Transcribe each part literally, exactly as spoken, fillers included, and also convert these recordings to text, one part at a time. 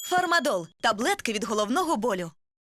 Фармадол – таблетки від головного болю.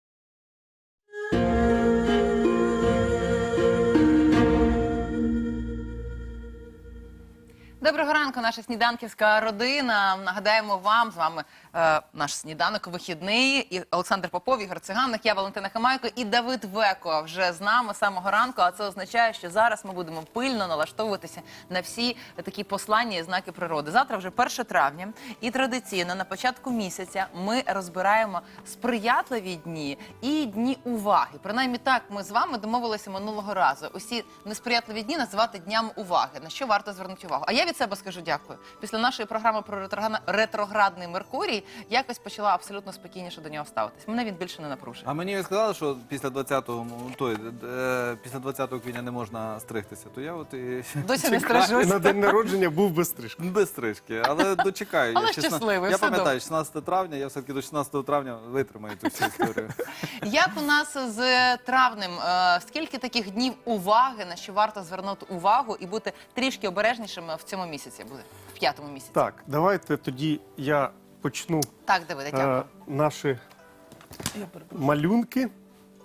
Доброго ранку, наша сніданківська родина. Нагадаємо вам, з вами е, наш сніданок вихідний. І Олександр Попов, Ігор Циганик, я Валентина Химайко і Давид Веко вже з нами з самого ранку. А це означає, що зараз ми будемо пильно налаштовуватися на всі такі послання і знаки природи. Завтра вже перше травня. І традиційно на початку місяця ми розбираємо сприятливі дні і дні уваги. Принаймні так ми з вами домовилися минулого разу. Усі несприятливі дні називати днями уваги. На що варто звернути увагу? А я від себе скажу дякую. Після нашої програми про ретроградний Меркурій якось почала абсолютно спокійніше до нього ставитись. Мене він більше не напружує. А мені сказали, що після двадцятого, той, е, після двадцятого квітня не можна стригтися, то я от і Досі не чекаю. стрижусь. На день народження був без стрижки. Без стрижки, але дочекаю. Але Я шістна- щасливий, Я все пам'ятаю, шістнадцяте травня, я все-таки до шістнадцятого травня витримаю цю всю історію. Як у нас з травнем? Е, Скільки таких днів уваги, на що варто звернути увагу і бути трішки обережнішими в цьому місяці буде? В п'ятому місяці. Так, давайте тоді я почну Так, Давиде, дякую. е, наші малюнки.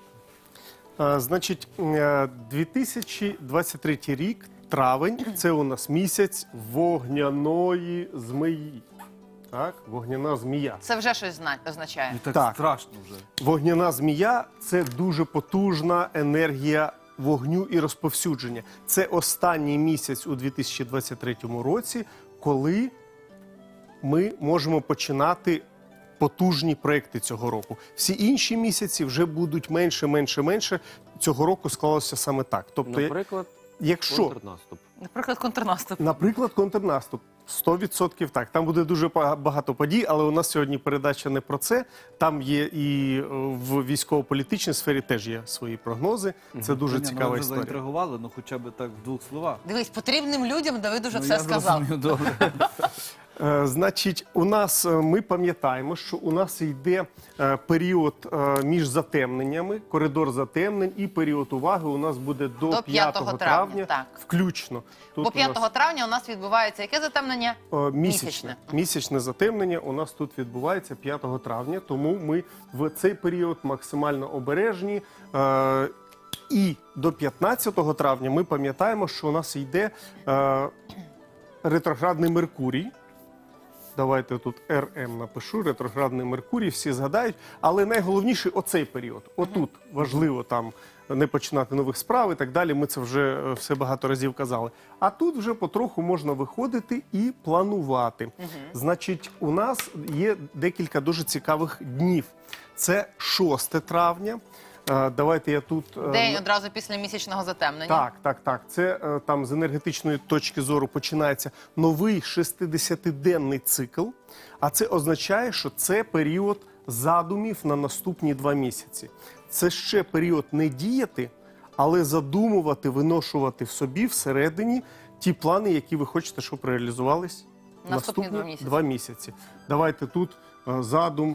Е, значить, е, дві тисячі двадцять третій рік, травень, це у нас місяць вогняної змії. Так, вогняна змія. Це вже щось зна- означає. І так, Так. страшно вже. Вогняна змія – це дуже потужна енергія вогню і розповсюдження. Це останній місяць у дві тисячі двадцять третьому році, коли ми можемо починати потужні проекти цього року. Всі інші місяці вже будуть менше, менше, менше. Цього року склалося саме так. Тобто, Наприклад, якщо, контрнаступ. Наприклад, контрнаступ. наприклад, контрнаступ, сто відсотків так. Там буде дуже ба- багато подій, але у нас сьогодні передача не про це. Там є і е, в військово-політичній сфері теж є свої прогнози. Це дуже Ні, ну, цікава ви вже історія. заінтригували, ну хоча б так в двох словах. Дивись, потрібним людям Давид уже Ну, все я сказав. зрозумів, добре. Е, Значить, у нас, е, ми пам'ятаємо, що у нас йде е, період е, між затемненнями, коридор затемнень, і період уваги у нас буде до, До п'ятого травня, так. включно. Тут Бо у п'ятого нас, травня у нас відбувається яке затемнення? е, місячне. місячне. Місячне затемнення у нас тут відбувається п'ятого травня, тому ми в цей період максимально обережні. Е, І до п'ятнадцятого травня ми пам'ятаємо, що у нас йде е, ретроградний Меркурій. Давайте тут ер ем напишу, ретроградний Меркурій, всі згадають. Але найголовніше оцей період. Отут важливо там не починати нових справ і так далі. Ми це вже е, все багато разів казали. А тут вже потроху можна виходити і планувати. Значить, у нас є декілька дуже цікавих днів. Це шосте травня. Е, Давайте я тут... е, День одразу після місячного затемнення. так, так, так. Це е, там з енергетичної точки зору починається новий шестидесятиденний цикл. А це означає, що це період задумів на наступні два місяці. Це ще період не діяти, але задумувати, виношувати в собі всередині ті плани, які ви хочете, щоб реалізувались Наступні два місяці. два місяці. Давайте тут е, задум.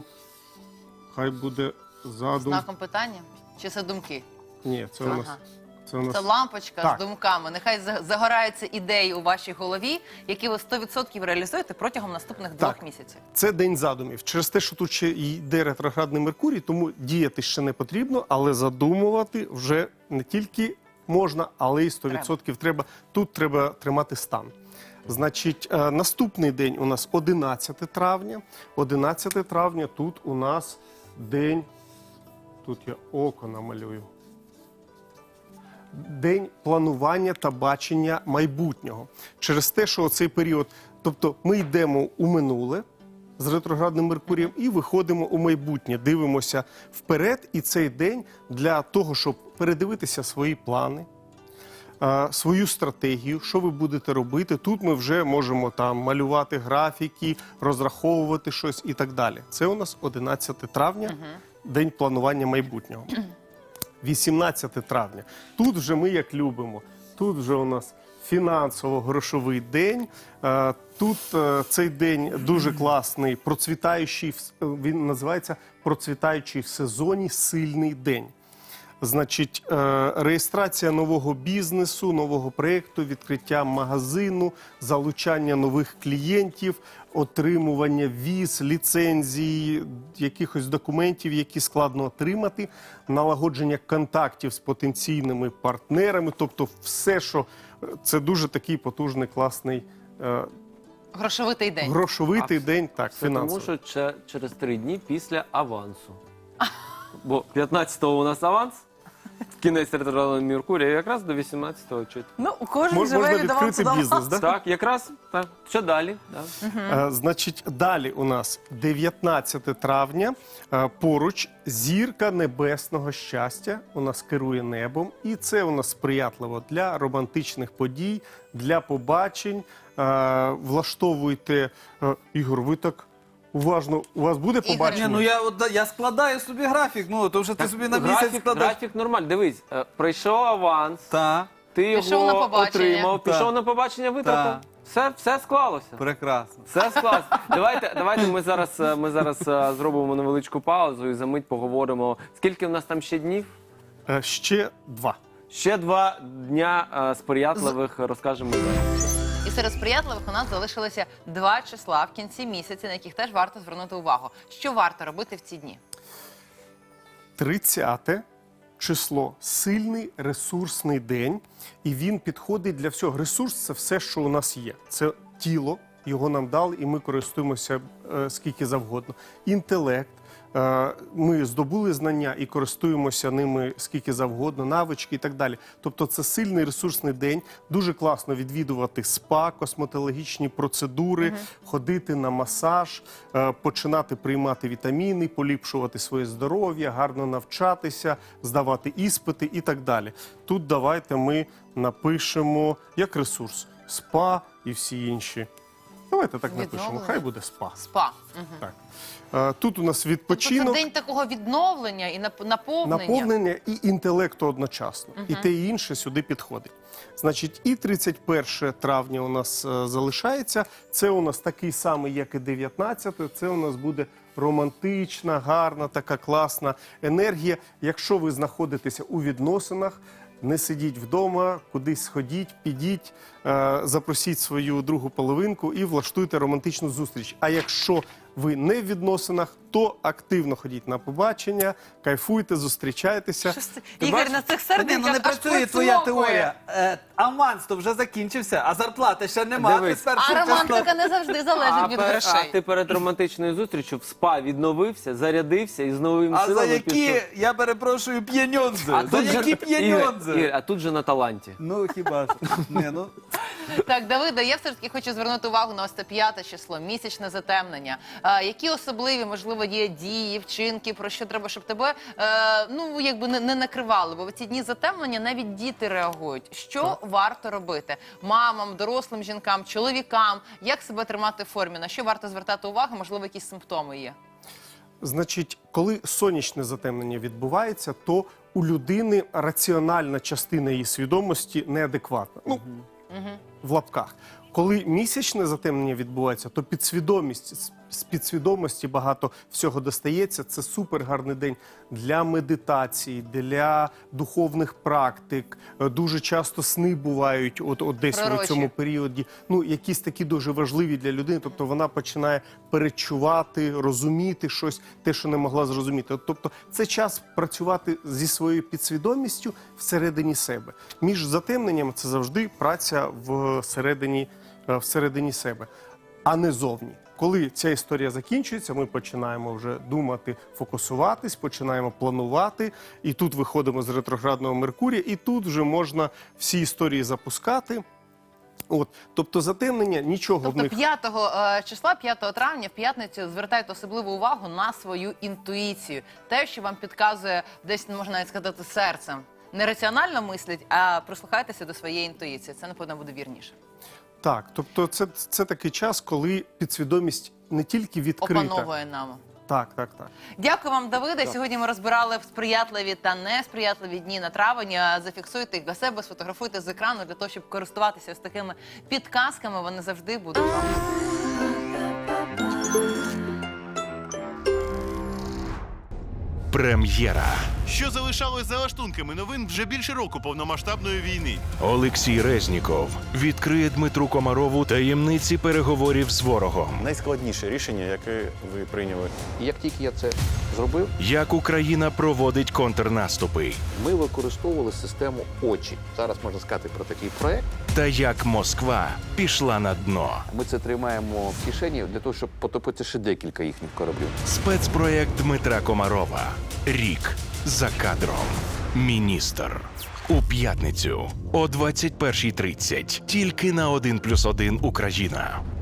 Хай буде задум. Знаком питання? Чи це думки? Ні, це у нас. Ага. Це у нас Це лампочка Так. з думками. Нехай за- загораються ідеї у вашій голові, які ви сто відсотків реалізуєте протягом наступних Так. двох місяців. Це день задумів. Через те, що тут ще йде ретроградний Меркурій, тому діяти ще не потрібно, але задумувати вже не тільки можна, але й сто відсотків треба. Тут треба тримати стан. Значить, е, наступний день у нас одинадцяте травня. одинадцяте травня тут у нас день, тут я око намалюю. День планування та бачення майбутнього. Через те, що цей період, тобто ми йдемо у минуле з ретроградним Меркурієм і виходимо у майбутнє, дивимося вперед, і цей день для того, щоб передивитися свої плани, е, свою стратегію, що ви будете робити. Тут ми вже можемо там малювати графіки, розраховувати щось і так далі. Це у нас одинадцяте травня, день планування майбутнього. вісімнадцяте травня. Тут вже ми як любимо. Тут вже у нас фінансово-грошовий день. Е, Тут е, цей день дуже класний, процвітаючий, в- він називається процвітаючий в сезоні сильний день. Значить, е, реєстрація нового бізнесу, нового проєкту, відкриття магазину, залучання нових клієнтів, отримування віз, ліцензій, якихось документів, які складно отримати, налагодження контактів з потенційними партнерами, тобто все, що це дуже такий потужний, класний, е, Грошовитий день. грошовитий день, так, Це тому, фінансовий. що че- через три дні після авансу. Бо п'ятнадцятого у нас аванс, кінець ретроградного Меркурія, якраз до вісімнадцятого чуть. Ну, кожен Мож- живе Можна від авансу відкрити до бізнес, авансу. да? Так, якраз так. Що далі? Да. Е, Значить, далі у нас дев'ятнадцяте травня. Е, Поруч зірка небесного щастя у нас керує небом. І це у нас сприятливо для романтичних подій, для побачень. Е, Влаштовуйте, е, Ігор, ви так уважно, у вас буде Ігор, побачення? Ні, ну я, от, я складаю собі графік, ну, то вже ти собі на місяць Графік, складаєш. графік нормальний. Дивись, е, прийшов аванс, Та, ти Пішов його на побачення. отримав, Так. пішов на побачення, витратив. Так. Все, все склалося. прекрасно. Все склалося. Давайте, давайте ми зараз, е, ми зараз е, зробимо невеличку паузу і за мить поговоримо. Скільки в нас там ще днів? Е, Ще два. Ще два дня е, сприятливих розкажемо зараз. І серед сприятливих у нас залишилося два числа в кінці місяця, на яких теж варто звернути увагу. Що варто робити в ці дні? тридцяте число – сильний ресурсний день, і він підходить для всього. Ресурс – це все, що у нас є. Це тіло, його нам дали, і ми користуємося е, скільки завгодно. Інтелект. Е, Ми здобули знання і користуємося ними скільки завгодно, навички і так далі. Тобто це сильний ресурсний день. Дуже класно відвідувати спа, косметологічні процедури, ходити на масаж, е, починати приймати вітаміни, поліпшувати своє здоров'я, гарно навчатися, здавати іспити і так далі. Тут давайте ми напишемо як ресурс спа і всі інші. Давайте так напишемо. Відновлення. Хай буде спа. Спа. Мгм. Так. Е, Тут у нас Тобто відпочинок. це день такого відновлення і нап- наповнення. Наповнення і інтелекту одночасно. І те, і інше сюди підходить. Значить, і тридцять перше травня у нас е, залишається. Це у нас такий самий, як і дев'ятнадцяте. Це у нас буде романтична, гарна, така класна енергія. Якщо ви знаходитеся у відносинах, не сидіть вдома, кудись сходіть, підіть, е, запросіть свою другу половинку і влаштуйте романтичну зустріч. А якщо ви не в відносинах, то активно ходіть на побачення, кайфуйте, зустрічайтеся. Щось це- Ти Ігор, бачиш? на цих Та ні, серденьках ну не аж працює твоя прицмокує. теорія. Е, аванс то вже закінчився, а зарплати ще нема. Дивись. Ти з першого А числа- романтика не завжди залежить А, від пер- грошей. а ти перед романтичною зустрічю в спа відновився, зарядився і з новими А за силами які, пішов. я перепрошую, п'єньонзи? А За тут же- які Ігор, п'єньонзи? Ігор, а тут же на таланті. Ну хіба ж? Ні, ну. Так, Давида, я все ж таки хочу звернути увагу на ось це п'яте число, місячне затемнення. А, які особливі, можливо, є дії, вчинки, про що треба, щоб тебе е, ну, якби не, не накривали? Бо в ці дні затемнення навіть діти реагують. Що варто робити? Мамам, дорослим жінкам, чоловікам? Як себе тримати в формі? На що варто звертати увагу? Можливо, якісь симптоми є? Значить, коли сонячне затемнення відбувається, то у людини раціональна частина її свідомості неадекватна. Ну, в лапках. Коли місячне затемнення відбувається, то підсвідомість, з- з підсвідомості багато всього достається. Це супер гарний день для медитації, для духовних практик. Е, Дуже часто сни бувають от, от десь у Пророчі. цьому періоді. Ну, якісь такі дуже важливі для людини. Тобто вона починає перечувати, розуміти щось, те, що не могла зрозуміти. От, тобто це час працювати зі своєю підсвідомістю всередині себе. Між затемненнями це завжди праця всередині, е, всередині себе, а не зовні. Коли ця історія закінчується, ми починаємо вже думати, фокусуватись, починаємо планувати, і тут виходимо з ретроградного Меркурія, і тут вже можна всі історії запускати. От, тобто затемнення, нічого в Тобто них... п'ятого е, числа, п'ятого травня, в п'ятницю звертайте особливу увагу на свою інтуїцію. Те, що вам підказує десь, можна навіть сказати, серцем. Не раціонально мисліть, а прислухайтеся до своєї інтуїції. Це, напевно, буде вірніше. Так, тобто це, це такий час, коли підсвідомість не тільки відкрита. Опановує нами. Так, так, так. Дякую вам, Давиде. Сьогодні ми розбирали сприятливі та несприятливі дні на травень. А Зафіксуйте їх для себе, сфотографуйте з екрану для того, щоб користуватися ось такими підказками. Вони завжди будуть вам. Прем'єра. що залишалось за лаштунками новин вже більше року повномасштабної війни. Олексій Резніков відкриє Дмитру Комарову таємниці переговорів з ворогом. Найскладніше рішення, яке ви прийняли. І як тільки я це зробив, Як Україна проводить контрнаступи. ми використовували систему очі. Зараз можна сказати про такий проект. Та як Москва пішла на дно. Ми це тримаємо в кишені для того, щоб потопити ще декілька їхніх кораблів. Спецпроєкт Дмитра Комарова. Рік за кадром. Міністр. У п'ятницю о двадцять першій тридцять. Тільки на один плюс один Україна.